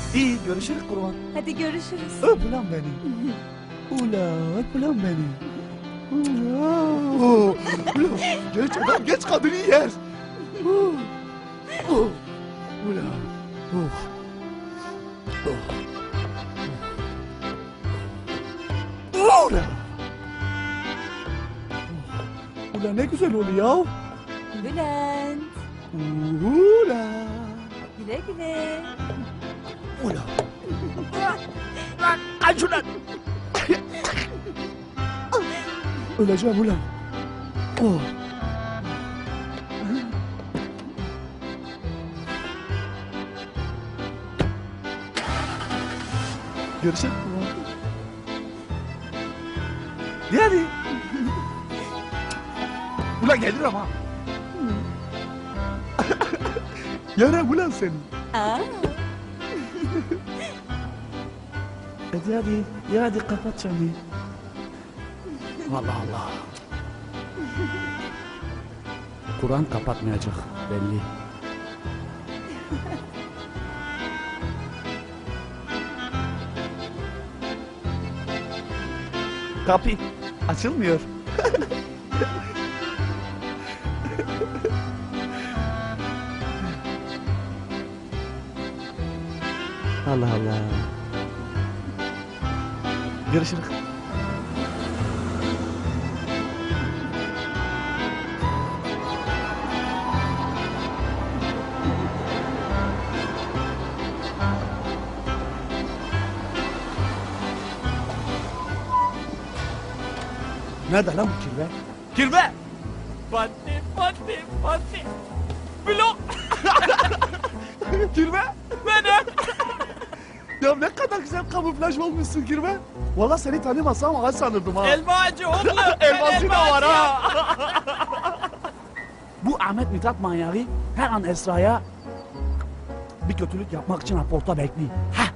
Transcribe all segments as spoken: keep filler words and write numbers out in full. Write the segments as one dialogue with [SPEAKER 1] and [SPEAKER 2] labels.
[SPEAKER 1] İyi görüşürüz kurban.
[SPEAKER 2] Hadi görüşürüz.
[SPEAKER 1] Öp ulan beni. Ula öp ulan beni. Ula. Ula. Geç adam geç kadını yer. Ula. Ula. Ula. Ula ne güzel oluyor.
[SPEAKER 2] Bülent.
[SPEAKER 1] Ula.
[SPEAKER 2] Güle güle.
[SPEAKER 1] Ula. Lan aç ulan. Öleceğim ulan. Oh. Görüşelim. Yani. Ulan gelir ama. Yarım ulan seni.
[SPEAKER 2] Aa,
[SPEAKER 1] Hadi hadi. Ya hadi kapat çanı. Allah Allah. Kur'an kapatmayacak belli. Kapı açılmıyor. Allah Allah. Görüşürüz. Nerede lan bu kirve? Kirve!
[SPEAKER 3] Pati pati pati. Blok.
[SPEAKER 1] Kirve!
[SPEAKER 3] Benim.
[SPEAKER 1] Ya ne kadar güzel kamuflaj olmuşsun kirve. Valla seni tanımasam ağaç sanırdım ha.
[SPEAKER 3] Elma ağacı oğlum.
[SPEAKER 1] Elması
[SPEAKER 3] Ben
[SPEAKER 1] da
[SPEAKER 3] elma
[SPEAKER 1] var
[SPEAKER 3] ağacıyım.
[SPEAKER 1] ha. Bu Ahmet Mithat manyağı her an Esra'ya bir kötülük yapmak için raporta bekliyor. Heh.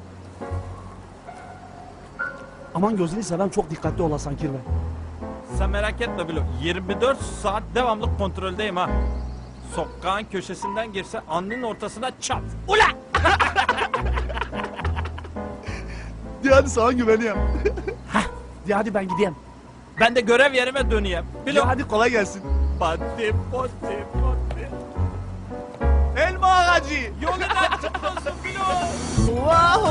[SPEAKER 1] Aman gözünü seveyim çok dikkatli olasan kirve.
[SPEAKER 3] Sen merak etme Bilo. yirmi dört saat devamlı kontroldeyim ha. Sokağın köşesinden girse alnının ortasına çat. Ula!
[SPEAKER 1] De hadi sana güveniyorum. Heh. De hadi ben gideyim.
[SPEAKER 3] Ben de görev yerime döneyim.
[SPEAKER 1] De
[SPEAKER 3] Bilo.
[SPEAKER 1] hadi kolay gelsin.
[SPEAKER 3] Pati pati pati.
[SPEAKER 1] Elma ağacı.
[SPEAKER 3] Yolun açık olsun Bilo.
[SPEAKER 1] Wow!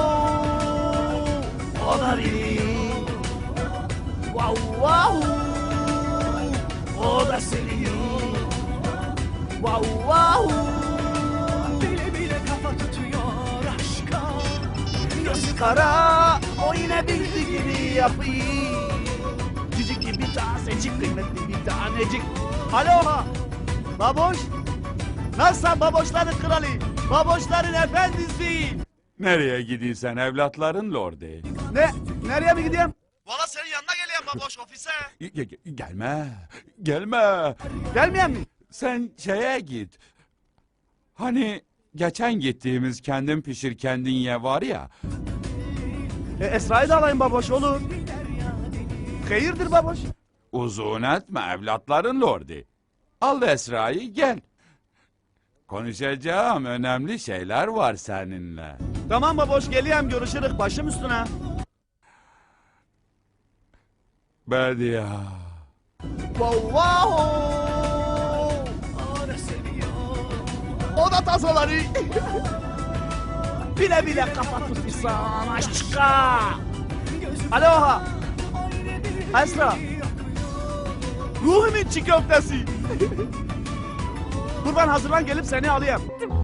[SPEAKER 1] O da biri. Wow wow! O da seni. Wow wow!
[SPEAKER 4] Bile bile kafa tutuyor aşka.
[SPEAKER 1] Gözü kara, o yine bildiğini yapıyor. Cicik gibi tazecik, kıymetli bir tanecik. Alo! Baboş! Nasılsın baboşların kralı? Baboşların efendisi!
[SPEAKER 5] Nereye gidiyorsun evlatların lordi?
[SPEAKER 1] Ne? Nereye mi gideyim? Valla senin yanına geleyim baboş ofise.
[SPEAKER 5] Ge- ge- gelme, gelme.
[SPEAKER 1] Gelmeyen mi?
[SPEAKER 5] Sen şeye git. Hani geçen gittiğimiz kendin pişir kendin ye var ya.
[SPEAKER 1] E, Esra'yı da alayım baboş olur. Hayırdır baboş?
[SPEAKER 5] Uzun etme evlatların lordi. Al Esra'yı gel. Konuşacağım önemli şeyler var seninle.
[SPEAKER 1] Tamam baboş geleyim görüşürüz başım üstüne.
[SPEAKER 5] Bediye.
[SPEAKER 1] Wow wow!
[SPEAKER 4] O da seviyor.
[SPEAKER 1] O da tasoları. Bile bile kafa tutmuşsan aşka. Alo ha. Esra. Ruhumun çiğ köftesi. Dur ben hazırlan gelip seni alayım.